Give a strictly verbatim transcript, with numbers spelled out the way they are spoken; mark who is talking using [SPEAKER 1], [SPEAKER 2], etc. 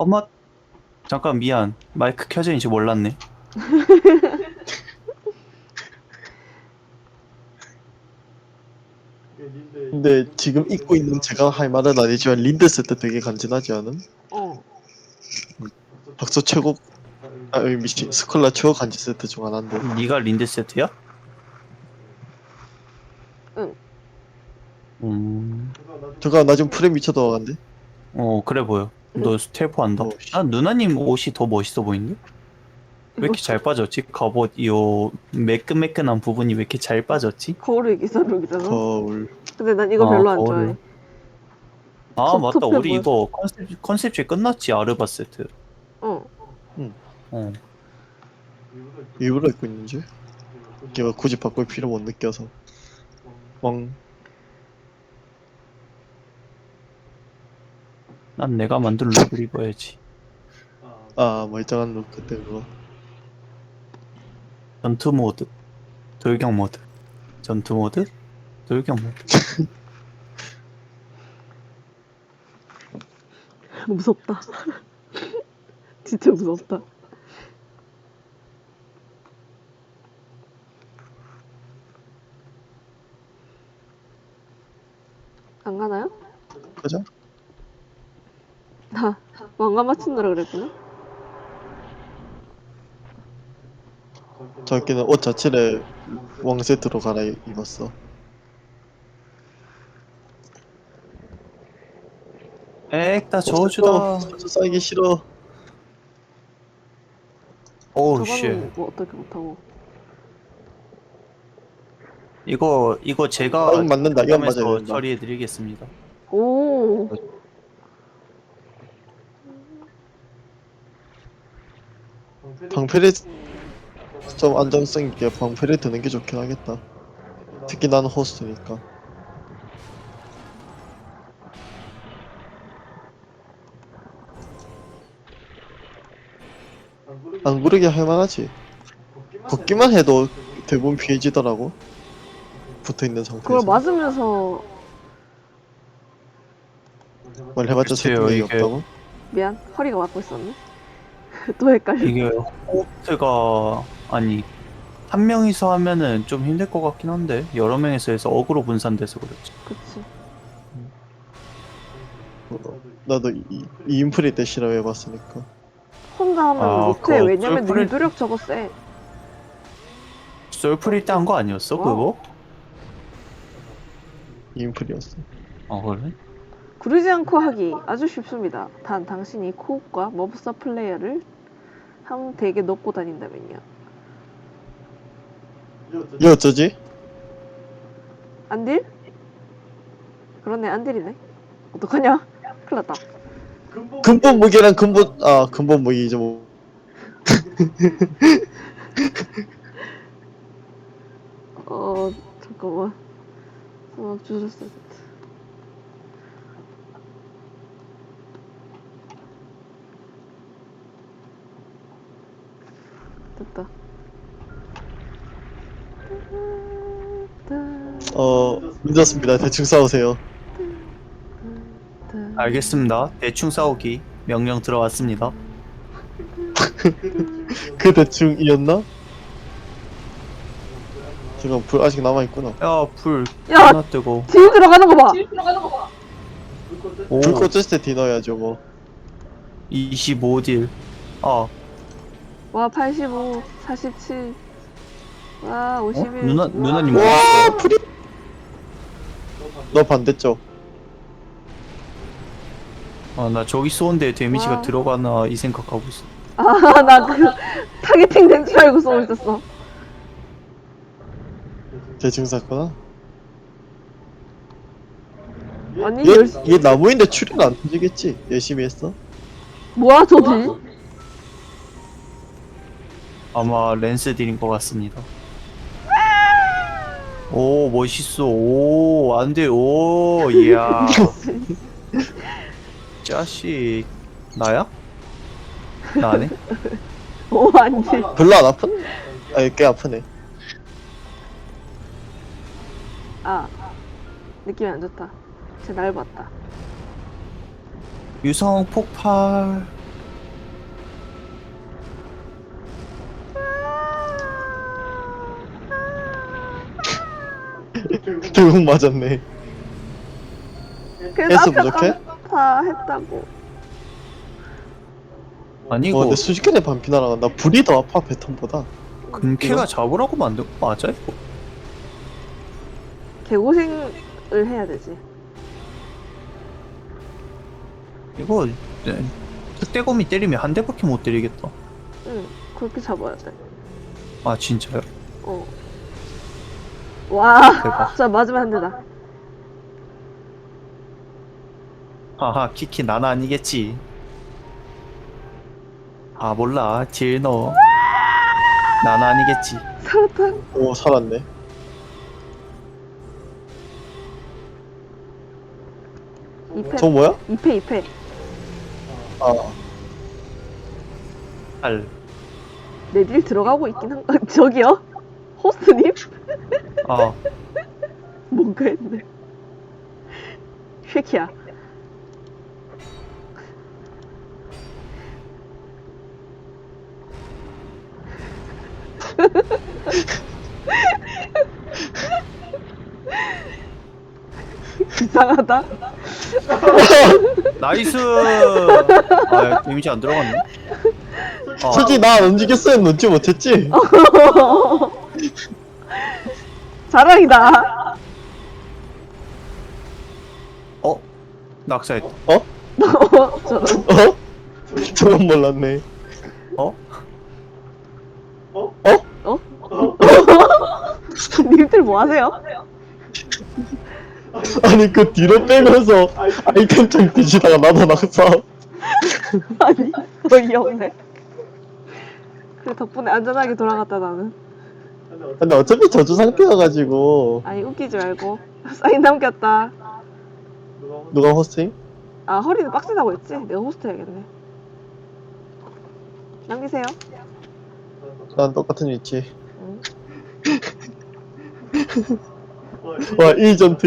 [SPEAKER 1] 엄마, 잠깐 미안. 마이크 켜져 있는지 몰랐네.
[SPEAKER 2] 근데 지금 입고 있는 제가 할 말은 아니지만 린드 세트 되게 간지나지 않음?
[SPEAKER 3] 어.
[SPEAKER 2] 박서 최고 아 으이, 미친 스콜라 최고 간지 세트 중 하나인데.
[SPEAKER 1] 네가 린드 세트야?
[SPEAKER 3] 응.
[SPEAKER 1] 음,
[SPEAKER 2] 저거 나 지금 프레임 미쳐 들어간데?
[SPEAKER 1] 어, 그래 보여. 너 스텔프 한다.
[SPEAKER 2] 어, 씨.
[SPEAKER 1] 아, 누나님 옷이 더 멋있어 보이는데? 왜 이렇게 잘 빠졌지? 갑옷, 요, 매끈매끈한 부분이 왜 이렇게 잘 빠졌지?
[SPEAKER 3] 거울을 기사룩이잖아.
[SPEAKER 2] 거울.
[SPEAKER 3] 근데 난 이거
[SPEAKER 1] 아,
[SPEAKER 3] 별로 안
[SPEAKER 1] 거울을.
[SPEAKER 3] 좋아해.
[SPEAKER 1] 아,
[SPEAKER 3] 톱,
[SPEAKER 1] 맞다.
[SPEAKER 3] 톱해
[SPEAKER 1] 우리
[SPEAKER 3] 보여.
[SPEAKER 1] 이거 컨셉, 컨셉지 끝났지, 아르바 세트.
[SPEAKER 3] 어.
[SPEAKER 1] 어.
[SPEAKER 2] 일부러 입고 있는 줄? 걔가 굳이 바꿀 필요 못 느껴서. 멍.
[SPEAKER 1] 난 내가 만든 룩을 입어야지.
[SPEAKER 2] 아 멀쩡한 룩 그때 그거.
[SPEAKER 1] 전투 모드, 돌격 모드, 전투 모드, 돌격 모드.
[SPEAKER 3] 무섭다. 진짜 무섭다. 안 가나요?
[SPEAKER 2] 그죠?
[SPEAKER 3] 나 왕관 맞춘다라 그랬구나.
[SPEAKER 2] 저기는 옷 자체를 왕 세트로 갈아입었어.
[SPEAKER 1] 액, 다
[SPEAKER 2] 어,
[SPEAKER 1] 저주다.
[SPEAKER 2] 저주 쌓이기 싫어.
[SPEAKER 1] 오우, 쉣.
[SPEAKER 3] 저거는 뭐 어떻게 못하고.
[SPEAKER 1] 이거, 이거 제가
[SPEAKER 2] 아, 이건 맞는다. 이건 맞아야
[SPEAKER 1] 담당해서
[SPEAKER 2] 된다.
[SPEAKER 1] 처리해드리겠습니다.
[SPEAKER 3] 오.
[SPEAKER 2] 방패를 좀 안정성 있게 방패를 드는 게 좋긴 하겠다. 특히 나는 호스트니까. 안 구르게 할만하지. 걷기만 해도 대부분 피해지더라고. 붙어있는
[SPEAKER 3] 그걸
[SPEAKER 2] 상태에서.
[SPEAKER 3] 맞으면서
[SPEAKER 2] 뭘 해봤자
[SPEAKER 1] 글쎄요,
[SPEAKER 2] 설득력이
[SPEAKER 1] 이게-
[SPEAKER 2] 없다고?
[SPEAKER 3] 미안. 허리가 맞고 있었네. 또 헷갈려.
[SPEAKER 1] 이게 호스트가, 아니, 한 명이서 하면은 좀 힘들 것 같긴 한데, 여러 명이서 해서 어그로 분산돼서 그렇지.
[SPEAKER 3] 그치.
[SPEAKER 2] 어, 나도 이, 이 인프리 때 실험해봤으니까.
[SPEAKER 3] 혼자 하면
[SPEAKER 1] 아,
[SPEAKER 3] 못해.
[SPEAKER 1] 그거
[SPEAKER 3] 왜냐면
[SPEAKER 1] 솔프리-
[SPEAKER 3] 유도력 저거 세.
[SPEAKER 1] 솔프릴 때 한 거 아니었어,
[SPEAKER 3] 와.
[SPEAKER 1] 그거?
[SPEAKER 2] 이 인프리였어.
[SPEAKER 1] 아, 그래?
[SPEAKER 3] 구르지 않고 하기 아주 쉽습니다. 단 당신이 코옵과 머브사 플레이어를 한 덱에 넣고 다닌다면요.
[SPEAKER 2] 얘 어쩌지?
[SPEAKER 3] 안딜? 그러네, 안딜이네. 어떡하냐? 큰일 났다.
[SPEAKER 2] 근본 무기랑 근본 아 근본 무기죠 뭐.
[SPEAKER 3] 어, 잠깐만. 어, 주셨어. 됐다.
[SPEAKER 2] 어 늦었습니다. 대충 싸우세요.
[SPEAKER 1] 알겠습니다. 대충 싸우기. 명령 들어왔습니다.
[SPEAKER 2] 그 대충이었나? 지금 불 아직 남아있구나.
[SPEAKER 1] 야, 불
[SPEAKER 3] 야!
[SPEAKER 1] 하나 뜨고.
[SPEAKER 3] 딜 들어가는 거 봐!
[SPEAKER 1] 오,
[SPEAKER 2] 불 꺼졌을 때 디너야죠 뭐.
[SPEAKER 1] 이십오 딜. 아,
[SPEAKER 3] 와, 팔십오, 사십칠. 와,
[SPEAKER 1] 어?
[SPEAKER 3] 오십일.
[SPEAKER 1] 누나, 누나님
[SPEAKER 2] 와
[SPEAKER 1] 어딨어요?
[SPEAKER 2] 프리. 너 반대쪽.
[SPEAKER 1] 아, 나 저기 쏘는데 데미지가
[SPEAKER 3] 와.
[SPEAKER 1] 들어가나 이 생각하고 있어.
[SPEAKER 3] 아, 나 그, 타겟팅 된 줄 알고 쏘고 있었어.
[SPEAKER 2] 대충 샀구나.
[SPEAKER 3] 아니,
[SPEAKER 2] 얘,
[SPEAKER 3] 열,
[SPEAKER 2] 얘 나무인데 출혈 안 터지겠지? 열심히 했어?
[SPEAKER 3] 뭐야, 저 딜?
[SPEAKER 1] 아마 랜스 딜인 것 같습니다. 오, 멋있어. 오, 안 돼. 오, 이야. 짜식. 나야? 나네?
[SPEAKER 3] 오, 안 돼.
[SPEAKER 2] 별로 안 아픈? 아니 꽤 아프네.
[SPEAKER 3] 아, 느낌이 안 좋다. 쟤 날 봤다.
[SPEAKER 1] 유성 폭발.
[SPEAKER 2] 결국 맞았네.
[SPEAKER 3] 그래서
[SPEAKER 2] 헬스
[SPEAKER 3] 아까
[SPEAKER 2] 부족해?
[SPEAKER 3] 다 했다고.
[SPEAKER 1] 아니
[SPEAKER 2] 어,
[SPEAKER 1] 이거
[SPEAKER 2] 근데 순식간에 반피 날아간다. 불이 더 아파, 배턴보다.
[SPEAKER 1] 근캐가 잡으라고 만든 거 맞아 이거?
[SPEAKER 3] 개고생을 해야 되지.
[SPEAKER 1] 이거 네, 특대검이 때리면 한 대밖에 못 때리겠다.
[SPEAKER 3] 응, 그렇게 잡아야 돼.
[SPEAKER 1] 아 진짜요?
[SPEAKER 3] 어. 와,
[SPEAKER 1] 대박.
[SPEAKER 3] 자 맞으면 안 되다.
[SPEAKER 1] 하하 키키 난 아니겠지. 아 몰라 딜 넣어. 난 아니겠지.
[SPEAKER 3] 살았다.
[SPEAKER 2] 오, 살았네.
[SPEAKER 3] 이 패,
[SPEAKER 2] 저 뭐야?
[SPEAKER 3] 이 패, 이 패.
[SPEAKER 2] 아,
[SPEAKER 1] 알.
[SPEAKER 3] 내 딜 들어가고 있긴 한 거. 저기요? 호스트님?
[SPEAKER 1] 아
[SPEAKER 3] 뭔가 했네. 쉐키야. 이상하다.
[SPEAKER 1] 나이스. 아 데미지 안 들어갔네. 아,
[SPEAKER 2] 솔직히 나 안 움직였으면 넣지 못했지?
[SPEAKER 3] 자랑이다.
[SPEAKER 1] 어 낙사했다.
[SPEAKER 2] 어?
[SPEAKER 3] 어, 저런.
[SPEAKER 2] 어? 저건 몰랐네.
[SPEAKER 1] 어?
[SPEAKER 2] 어?
[SPEAKER 3] 어? 님들 뭐 하세요?
[SPEAKER 2] 아니, 그 뒤로 빼면서 아이템창 뒤지다가 나도 낙사.
[SPEAKER 3] 아니, 어이없네. 그래, 덕분에 안전하게 돌아갔다, 나는.
[SPEAKER 2] 근데 어차피 저주 상태여가지고.
[SPEAKER 3] 아니, 웃기지 말고. 사인 남겼다.
[SPEAKER 2] 누가 호스팅?
[SPEAKER 3] 아, 허리는 빡세다고 했지? 내가 호스트 해야겠네. 남기세요.
[SPEAKER 2] 난 똑같은 위치.
[SPEAKER 3] 응.
[SPEAKER 2] 와, 이 전투